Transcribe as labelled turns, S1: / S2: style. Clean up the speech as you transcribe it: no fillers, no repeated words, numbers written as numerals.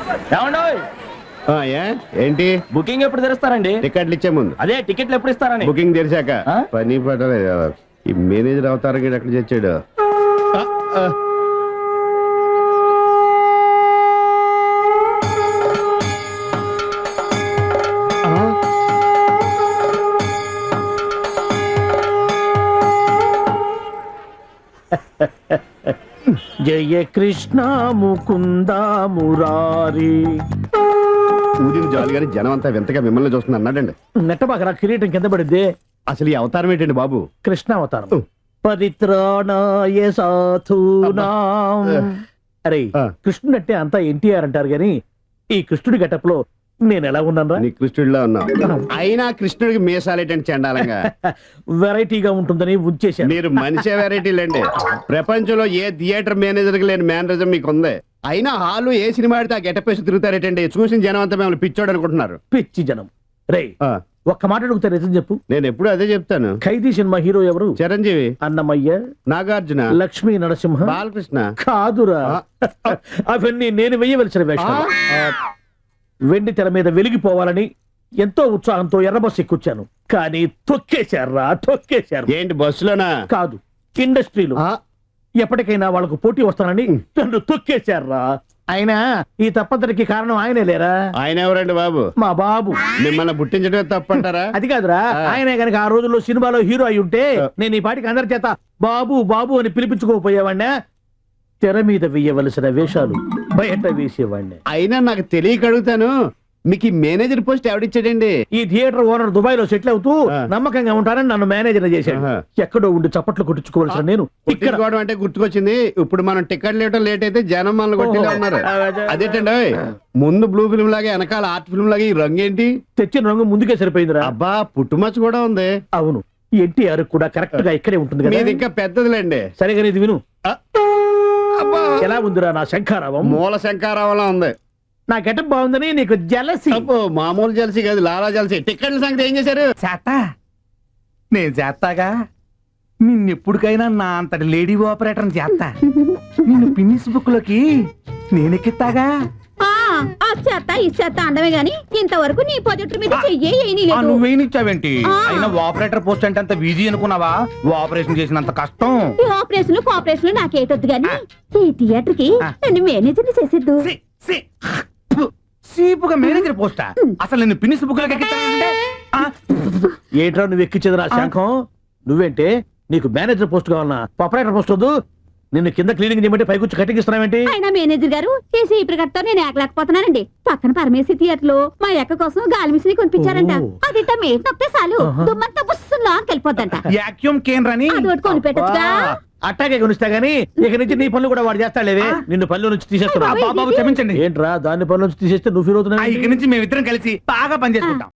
S1: ఏంటి
S2: బుకింగ్ ఎప్పుడు తెరుస్తారండి?
S1: టికెట్లు ఇచ్చే ముందు.
S2: అదే టికెట్లు ఎప్పుడు ఇస్తారని.
S1: బుకింగ్ తెరిచాక. పని పట్టలేదు ఈ మేనేజర్ అవతారం ఎక్కడ చచ్చాడు.
S3: జయ కృష్ణ ముకుంద మురారి.
S1: ఊరిని జాలి గారి జనం అంతా వింతగా మిమ్మల్ని చూస్తుంది అన్నాడండి.
S3: నెట్టబాక కిరీటం కింద పడింది.
S1: అసలు ఈ అవతారం ఏంటండి బాబు?
S3: కృష్ణ అవతారం. పరిత్రాణాయ సాధూనాం. అరే కృష్ణుడు అంటే అంతా ఎన్టీఆర్ అంటారు గాని ఈ కృష్ణుడి గెటప్ లో నేను ఎలా ఉన్నాను?
S1: నీ కృష్ణుడిలా ఉన్నావు. అయినా కృష్ణుడికి మీసాలేటండి చండాలంగా.
S3: వెరైటీగా ఉంటుందని ఉంచేశాను.
S1: మీరు మనిషే వెరైటీలండి. ప్రపంచంలో ఏ థియేటర్ మేనేజర్ కి లేని మేనరిజం మీకు ఉంది. అయినా హాలు ఏ సినిమా ఆడితే ఆ గెటప్ వేసి తిరుగుతారేటండి. చూసిన జనం అంతా మిమ్మల్ని పిచ్చోడు అనుకుంటున్నారు.
S3: పిచ్చి జనం. రే ఒక్క మాట అడుగుతా నిజం చెప్పు.
S1: నేను ఎప్పుడు అదే చెప్తాను.
S3: ఖైదీ సినిమా హీరో ఎవరు?
S1: చిరంజీవి,
S3: అన్నమయ్య,
S1: నాగార్జున,
S3: లక్ష్మీ నరసింహ,
S1: బాలకృష్ణ.
S3: కాదురా, అవన్నీ నేను వెయ్యవలసిన వేషాలు. వెండి తెర మీద వెలిగిపోవాలని ఎంతో ఉత్సాహంతో ఎర్రబస్సు ఎక్కుచ్చాను. కానీ తొక్కేశారా తొక్కేశారు.
S1: ఏంటి బస్సులోనా?
S3: కాదు, ఇండస్ట్రీలో. ఎప్పటికైనా వాళ్ళకు పోటీ వస్తానని నన్ను తొక్కేశారా. అయినా ఈ తప్పంతటికి కారణం ఆయనే లేరా?
S1: ఆయన ఎవరండి బాబు?
S3: మా బాబు.
S1: మిమ్మల్ని పుట్టించడమే తప్పంటారా?
S3: అది కాదురా, ఆయనే గనక ఆ రోజుల్లో సినిమాలో హీరో అయి ఉంటే నేను ఈ పాటికి అందరి చేత బాబు బాబు అని పిలిపించుకోకపోయేవాడినా. తెర మీద వేయవలసిన వేషాలు బయట వేసేవాడిని.
S1: అయినా నాకు తెలియక అడుగుతాను, మీకు ఈ మేనేజర్ పోస్ట్ ఎవడిచ్చాడండి?
S3: ఈ థియేటర్ ఓనర్ దుబాయ్ లో సెటిల్ అవుతూ నమ్మకంగా ఉంటానని నన్ను మేనేజర్ చేశాడు. ఎక్కడో ఉండి చప్పట్లు కొట్టించుకోవాల్సిన నేను
S1: ఇక్కడ అంటే గుర్తుకొచ్చింది. ఇప్పుడు మనం టికెట్ లేవటం లేట్ అయితే జనం మనల్ని కొట్టిలా ఉన్నారు. అదేంటండి ముందు బ్లూ ఫిల్మ్ లాగా వెనకాల ఆర్ట్ ఫిల్మ్ లాగా ఈ రంగు ఏంటి?
S3: తెచ్చిన రంగు ముందుకే సరిపోయిందిరా.
S1: అబ్బా పుట్టుమచ్చ కూడా ఉంది.
S3: అవును, ఎన్టీఆర్ కూడా కరెక్ట్ గా ఇక్కడే ఉంటుంది కదా.
S1: ఇంకా పెద్దదిలేండి.
S3: సరిగా ఇది విను. ఎలా ఉందిరా నా శంఖారావం?
S1: మూల శంఖారావంలా ఉంది.
S3: నా గెటప్ బాగుందని నీకు జలసి?
S1: మామూలు జలసి కాదు, లాలా జలసి. టికెట్ల సంగతి ఏం చేశారు?
S4: చేస్తా, నేను చేస్తాగా. నిన్నెప్పుడుకైనా నా అంతటి లేడీ ఆపరేటర్ చేస్తా. నిన్ను పిన్నిస్ బుక్ లోకి నేనెక్కిస్తాగా.
S5: చేస్తా ఇచ్చేస్తా అండమే గాని ఇంతవరకు నీ పొజిటర్ మీద
S4: నువ్వేనిచ్చావేంటి? అయినా ఆపరేటర్ పోస్ట్ అంటే అంత ఈజీ అనుకున్నావా? ఆపరేషన్ చేసినంత కష్టం.
S5: ఈ ఆపరేషన్ కోఆపరేషన్ నాకేటొద్దు గాని ఈ థియేటర్ కి నన్ను మేనేజర్ చేసేద్దు.
S4: సీపుగా మేనేజర్ పోస్టా? అసలు నిన్ను పిన్నిస్ బుక్ లోకి
S3: ఏట్రా నువ్వు ఎక్కించేది నా శంఖం? నువ్వేంటే నీకు మేనేజర్ పోస్ట్ కావాలన్నా ఆపరేటర్ పోస్ట్ వద్దు. నిన్ను కింద క్లీనింగ్ చేయమంటే పైకొచ్చి కటింగ్ ఇస్తున్నావేంటి?
S5: అయినా మేనేజర్ గారు చేసి ఈ ప్రకటనతో నేను ఏకలేకపోతున్నానండి. పక్కన పరమేశ్వరి థియేటర్ లో మా అక్క కోసం గాలి మిషన్ కొనిపించారంట. అది మేట్ నొక్కితే చాలు దుమ్మంతా బుస్సులా వెళ్ళిపోద్దంట.
S4: వాక్యూమ్ క్లీనర్
S5: కొని పెట్టొచ్చుగా.
S3: అట్టాగే కొనిస్తా గానీ ఇక నుంచి నీ పనులు కూడా వాడు చేస్తాడులేవే. నిన్ను పనుల నుంచి తీసేస్తున్నా.
S4: క్షమించండి.
S3: ఏంట్రా దాన్ని పనుల నుంచి తీసేస్తే నువ్వు ఫీల్ అవుతున్నావు?
S4: ఇక నుంచి మేమిద్దరం కలిసి బాగా పనిచేసుకుంటాం.